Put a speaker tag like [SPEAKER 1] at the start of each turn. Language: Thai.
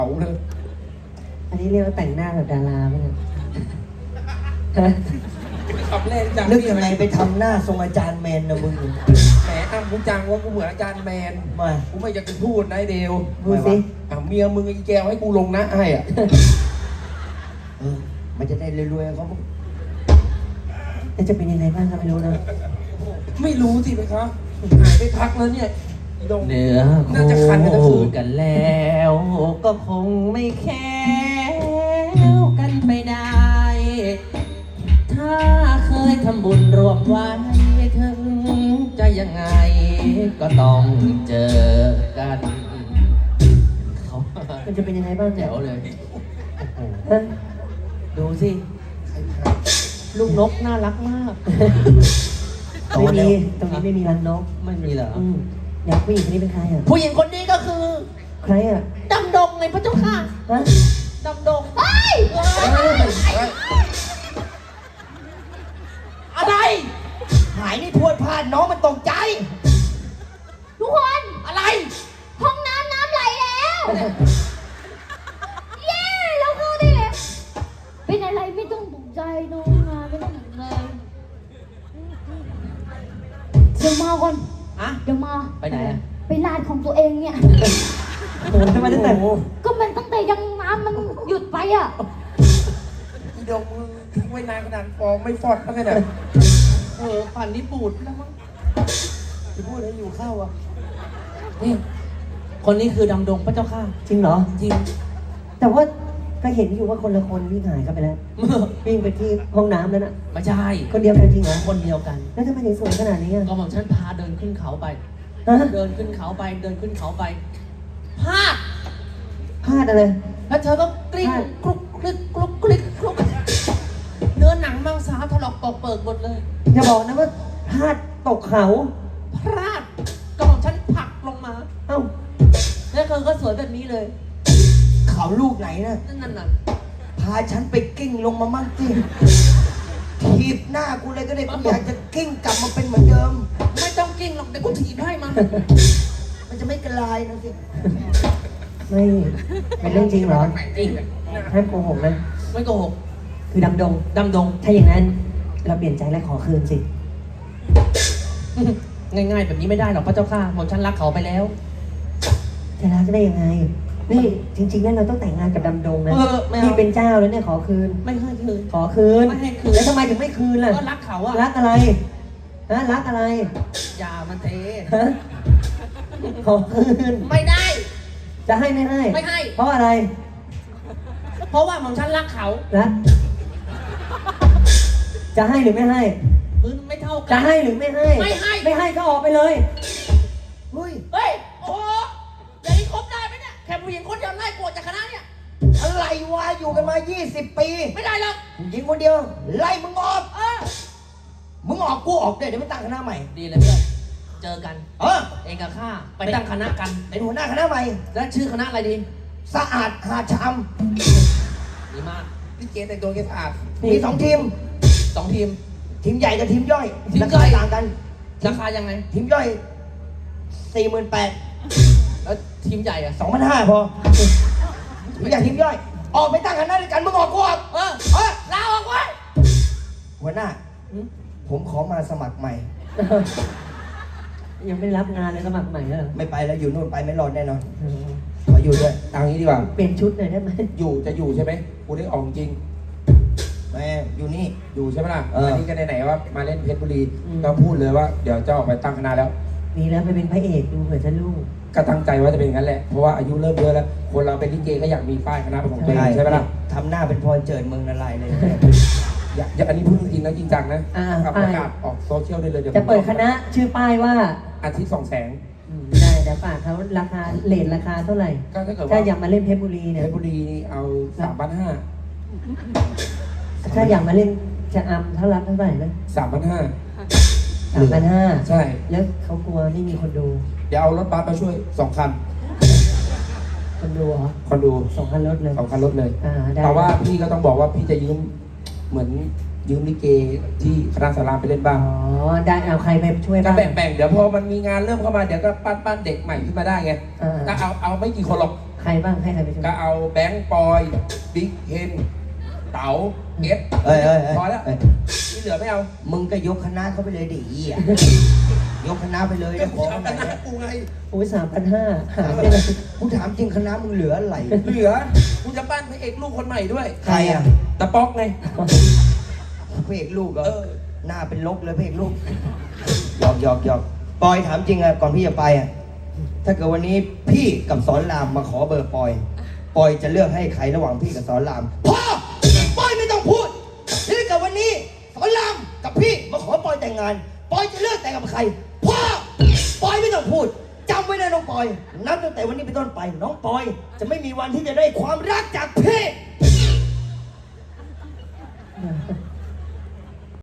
[SPEAKER 1] เอาเลย
[SPEAKER 2] อันนี้เรียกว่าแต่งหน้าแบบดาราไหมเนี่ย
[SPEAKER 1] ขับเล่นจัง
[SPEAKER 3] นึกยังไงไปทำหน้าทรงอาจารย์แมนนะมึง
[SPEAKER 1] แหมอ้ำกูจังว่ากูเหมือนอาจารย์แมน
[SPEAKER 3] มา
[SPEAKER 1] กูไม่อยากจะพูดนะไอ้เดว
[SPEAKER 2] พูดสิ
[SPEAKER 1] เมียมึงไอ้แกวให้กูลงนะให้อ่ะ
[SPEAKER 3] มันจะได้รวยๆเขาบ้าง
[SPEAKER 2] แล้วจะเป็นยังไงบ้างก็ไม่รู้นะ
[SPEAKER 1] ไม่รู้สิไปครับหายไปพักแล้วเนี่ยอีดง
[SPEAKER 2] เนื้อ
[SPEAKER 1] น่าจะคันกันทั้งคืน
[SPEAKER 2] กันแล้ว ก็คงไม่แค้วกันไปได้ ถ้าเคยทำบุญรวมไว้ถึงจะยังไง ก็ต้องเจอกันเขามันจะเป็นยังไงบ้างแจ๋วเลยฮะดูสิ ลูกนกน่ารักมากไม่มีตรงนี้ไม่มีรังนกไม่มีเหรออยากผู้หญิงคนนี้เป็นใครอ่ะ
[SPEAKER 4] ผู้หญิงคนนี้ก็คือ
[SPEAKER 2] ใครอ่ะ
[SPEAKER 4] ดำดงไงพระเจ้าค่ะ
[SPEAKER 2] ฮะ
[SPEAKER 4] ดำดงเฮ้ยอะไร
[SPEAKER 3] หายนี่พวดพลาดน้องมันตกใจ
[SPEAKER 4] ทุกคนอะไรห้องน้ำไหลแล้วเย้เราเข้าได้แล้วเป็นอะไรไม่ต้องตกใจน้องมาไม่ต้องตกใจเดี๋ยวมาก่อน
[SPEAKER 2] อะ
[SPEAKER 4] เดี๋ยวมา
[SPEAKER 2] ไปไหนอ่ะ
[SPEAKER 4] ไปลาดของตัวเองเนี่ย
[SPEAKER 2] โอ้ทำไมตั้งแต่
[SPEAKER 4] ก็มันตั้งแต่ยังน้ำมันหยุดไปอ่ะ
[SPEAKER 1] อีดงมึงทิ้งไว้นานขนาดฟองไม่ฟอดแล้วไงเนี่ย
[SPEAKER 2] ฝันนี้ปูดแล้วมั้ง
[SPEAKER 3] จะพูดให้อยู่เข้าอ่ะ
[SPEAKER 2] นี่คนนี้คือดำดงพระเจ้าค่ะจริงเหรอจริง แต่ว่าก็เห็นอยู่ว่าคนละคนวิ่งหายกันไปแล้ววิ่งไปที่ห้องน้ำแล้วน่ะ
[SPEAKER 5] ไม่ใช่
[SPEAKER 2] คนเดียวกันจริงเหรอ
[SPEAKER 5] คนเดียวกัน
[SPEAKER 2] แล้วทำไมถึงสวยขนาดนี้อ่ะ
[SPEAKER 5] ก็หม่อมฉันพาเดินขึ้นเขาไป
[SPEAKER 2] ฮะ
[SPEAKER 5] เดินขึ้นเขาไป เดินขึ้นเขาไปพลาด
[SPEAKER 2] พลาดอะไร
[SPEAKER 5] แล้วเธอก็กลิ้ง
[SPEAKER 2] พลาด
[SPEAKER 5] คลุกคลิกคลุกคลิกคลุกเนื้อหนังมังสาถลอกปอกเปิกหมดเลย
[SPEAKER 2] อย่าบอกนะว่าพลาดตกเขา
[SPEAKER 5] พลาดก็หม่อมฉันผลักลงมา
[SPEAKER 2] เอ้า
[SPEAKER 5] แล้วเธอก็สวยแบบนี้เลย
[SPEAKER 3] เขาลูกไหนนะ
[SPEAKER 5] นั่นน่ะ
[SPEAKER 3] พาฉันไปกิ้งลงมามั่งสิถีบหน้ากูเลยก็ได้กูอยากจะกิ้งกลับมาเป็นเหมือนเดิม
[SPEAKER 5] ไม่ต้องกิ้งหรอกเดี๋ยวกูถีบให้มัน
[SPEAKER 3] มันจะไม่กระลายนะสิ
[SPEAKER 2] ไม่เป็นเรื่องจริงเหรอ
[SPEAKER 5] จริง
[SPEAKER 2] ห้ามโกหกนะ
[SPEAKER 5] ไม่โกหก
[SPEAKER 2] คือดำดง
[SPEAKER 5] ดำดง
[SPEAKER 2] ถ้าอย่างนั้นเราเปลี่ยนใจและขอคืนสิ
[SPEAKER 5] ง่ายๆแบบนี้ไม่ได้หรอกพระเจ้าค่ะหม่อมฉันรักเขาไปแล้ว
[SPEAKER 2] จะรักได้ยังไง นี่จริงๆแล้วเราต้องแต่งงานกับดำดงนะ
[SPEAKER 5] ไม่เอา
[SPEAKER 2] นี่เป็นเจ้าแล้วเนี่ยขอคืน
[SPEAKER 5] ไม่ให้คืน
[SPEAKER 2] ขอคืน
[SPEAKER 5] ไม่ให้คืน
[SPEAKER 2] แล้วทำไมถึงไม่คืนล่ะ
[SPEAKER 5] ก็รักเขาอะ
[SPEAKER 2] รักอะไรฮะรักอะไร
[SPEAKER 5] อย่ามันเท
[SPEAKER 2] ฮะขอคืน
[SPEAKER 5] ไม่ได้
[SPEAKER 2] จะให้ไม่ให้
[SPEAKER 5] ไม่ให้
[SPEAKER 2] เพราะอะไร
[SPEAKER 5] เพราะว่าหม่อมฉันรักเขา
[SPEAKER 2] รักจะให้หรือไม่ให้
[SPEAKER 5] พื้นไม่เท่ากั
[SPEAKER 2] จะให้หรือไม่ให้
[SPEAKER 5] ไม่ให้
[SPEAKER 2] ไม่ให้ก็ออกไปเลย
[SPEAKER 3] เฮ้ย
[SPEAKER 5] เฮ้ย โอ้โหอย่างนี้คบได้ไหมเนี่ย แค่ผู้หญิงคนเดียวไล่กวดจากคณะเนี่ย
[SPEAKER 3] อะไรวะอยู่กันมา 20 ปี
[SPEAKER 5] ไม่ได้หรอก
[SPEAKER 3] ผู้หญิงคนเดียว ไล่มึงออก
[SPEAKER 5] เออ
[SPEAKER 3] มึงออกกูออกด้วยเดี๋ยวไม่ตั้งคณะใหม่
[SPEAKER 5] ดีเลยเพื่อน เจอกัน
[SPEAKER 3] เออ
[SPEAKER 5] เองกับข้าไปตั้งคณะกัน
[SPEAKER 3] เป็นหัวหน้าคณะใหม่
[SPEAKER 5] แล้วชื่อคณะอะไรดี
[SPEAKER 3] สะอาดหาชาม
[SPEAKER 5] ดีมาก
[SPEAKER 1] พี่เกแต่งตัวแกสะอาด
[SPEAKER 3] มี2 ทีม
[SPEAKER 5] 2 ทีม
[SPEAKER 3] ทีมใหญ่กับทีมย่อย
[SPEAKER 5] ทีม
[SPEAKER 3] รา
[SPEAKER 5] ย่
[SPEAKER 3] คา
[SPEAKER 5] อย
[SPEAKER 3] ต่างกัน
[SPEAKER 5] ราคายังไง
[SPEAKER 3] ทีมย่อย
[SPEAKER 5] แล้วทีมใหญ่อะ
[SPEAKER 3] 48,000 2,500พอทีมใหญ่ทีมย่อย ออกไปตั้งคณะด้วยกันมึงออกกูออก
[SPEAKER 5] เออ
[SPEAKER 3] เออ
[SPEAKER 5] ลาออกไว้
[SPEAKER 3] หัวหน้า ผมขอมาสมัครใหม่
[SPEAKER 2] ยังไม่รับงานเลยสมัครใหม่แล้วเหรอ
[SPEAKER 3] ไม่ไปแล้วอยู่นู่นไปไม่รอดแน่นอนขออยู่ด้วย
[SPEAKER 1] เอางี้ดีกว่า
[SPEAKER 2] เปลี่ยนชุดหน่อยได้ไหม
[SPEAKER 1] อยู่จะอยู่ใช่ไหมกูได้ออกจริง
[SPEAKER 3] แม่อยู่นี่
[SPEAKER 1] อยู่ใช่ไหมล่ะ
[SPEAKER 3] เอออั
[SPEAKER 1] นนี้ก็ไหนๆว่ามาเล่นเพชรบุรีก็พูดเลยว่าเดี๋ยวจะออกไปตั้งคณะแล้ว
[SPEAKER 2] มีแล้วไปเป็นพระเอกดูเผื่อจะลูก
[SPEAKER 1] ก็ตั้งใจว่าจะเป็นอย่างนั้นแหละ เพราะว่าอายุเริ่มเยอะแล้ว คนเราเป็นลิเกก็อยากมีป้ายคณะเป็นของตัวเองใช่ไหมล่ะ
[SPEAKER 3] ทำหน้าเป็นพรเจิดเมืองนารายณ์เลย
[SPEAKER 1] อยากอันนี้พูดจริงนะจริงจังนะ
[SPEAKER 2] อ่า
[SPEAKER 1] เอาประกาศออกโซเชียลได้เลยเดี๋ยว
[SPEAKER 2] จะเปิดคณะชื่อป้ายว่า
[SPEAKER 1] อาทิตย์200,000
[SPEAKER 2] ได้เดี๋ยวฝากเขาราคาเลทราคาเท่าไหร่
[SPEAKER 1] ก็ถ้าเกิด
[SPEAKER 2] ถ้า
[SPEAKER 1] ว่า
[SPEAKER 2] อยากมาเล่นเพชรบุรี
[SPEAKER 1] เพ
[SPEAKER 2] เนี่ย
[SPEAKER 1] ชรบุรีนี่เอา3,500
[SPEAKER 2] ถ้าอยากมาเล่นจะอำเท่ารับเท่าไหร่นะ
[SPEAKER 1] 3,500
[SPEAKER 2] 3,500
[SPEAKER 1] ใช่
[SPEAKER 2] แล้วเขากลัวไม่มีคนดู
[SPEAKER 1] เดี๋ยวเอารถบัสมาช่วย2 คัน
[SPEAKER 2] คนดูเหรอ
[SPEAKER 1] คนดู
[SPEAKER 2] 2 คันรถเลย
[SPEAKER 1] 2 คันรถเลย
[SPEAKER 2] ได้
[SPEAKER 1] แต่ว่าพี่ก็ต้องบอกว่าพี่จะยืมเหมือนยืมลิเกที่คณะสารามไปเล่นบ้าง
[SPEAKER 2] อ๋อได้เอาใครไปช่วย
[SPEAKER 1] ก็
[SPEAKER 2] บ้าง
[SPEAKER 1] แบ่งๆเดี๋ยวพอมันมีงานเริ่มเข้ามาเดี๋ยวก็ปั้นเด็กใหม่ขึ้นมาได้ไง
[SPEAKER 2] อ่า
[SPEAKER 1] ก็เอาไม่กี่คนหรอก
[SPEAKER 2] ใครบ้างให้ใครไปช่วย
[SPEAKER 1] ก็เอาแบงค์ปอยบิ๊กเฮนเต๋าเอส
[SPEAKER 3] เอ้ย
[SPEAKER 1] พอแล้ว
[SPEAKER 3] เอ้ย
[SPEAKER 1] ที่เหลือไม่เอา
[SPEAKER 3] มึงก็ยกคณะเข้าไปเลยดิอีอ่ะยกคณะไปเลย
[SPEAKER 1] ก็
[SPEAKER 3] ได้ข
[SPEAKER 1] กู
[SPEAKER 3] อ
[SPEAKER 1] เอา
[SPEAKER 3] ข
[SPEAKER 1] ค
[SPEAKER 3] นาด
[SPEAKER 1] ณะ
[SPEAKER 3] เนี้ย
[SPEAKER 1] กูไง
[SPEAKER 2] โอ้ย3,500หาได้เลย
[SPEAKER 3] กูถามจริงคณะมึงเหลืออะไร
[SPEAKER 1] เหลือกูจะปั้นพระเอกลูกคนใหม่ด้วย
[SPEAKER 3] ใครอ่ะ
[SPEAKER 1] ตะป๊อกไง
[SPEAKER 3] พระเอกลูกเหรอ
[SPEAKER 1] เออ
[SPEAKER 3] หน้าเป็นลกเลยพระเอกลูกหยอกปอยถามจริงอ่ะก่อนพี่จะไปอ่ะถ้าเกิดวันนี้พี่กับสอนรามมาขอเบอร์ปอยจะเลือกให้ใครระหว่างพี่กับสอนรามพ่อปอยไม่ต้องพูดถ้าเกิดวันนี้สอนรามกับพี่มาขอปอยแต่งงานปอยจะเลือกแต่งกับใครพ่อปอยไม่ต้องพูดจำไว้นะน้องปอยนับตั้งแต่วันนี้เป็นต้นไปน้องปอยจะไม่มีวันที่จะได้ความรักจากพี่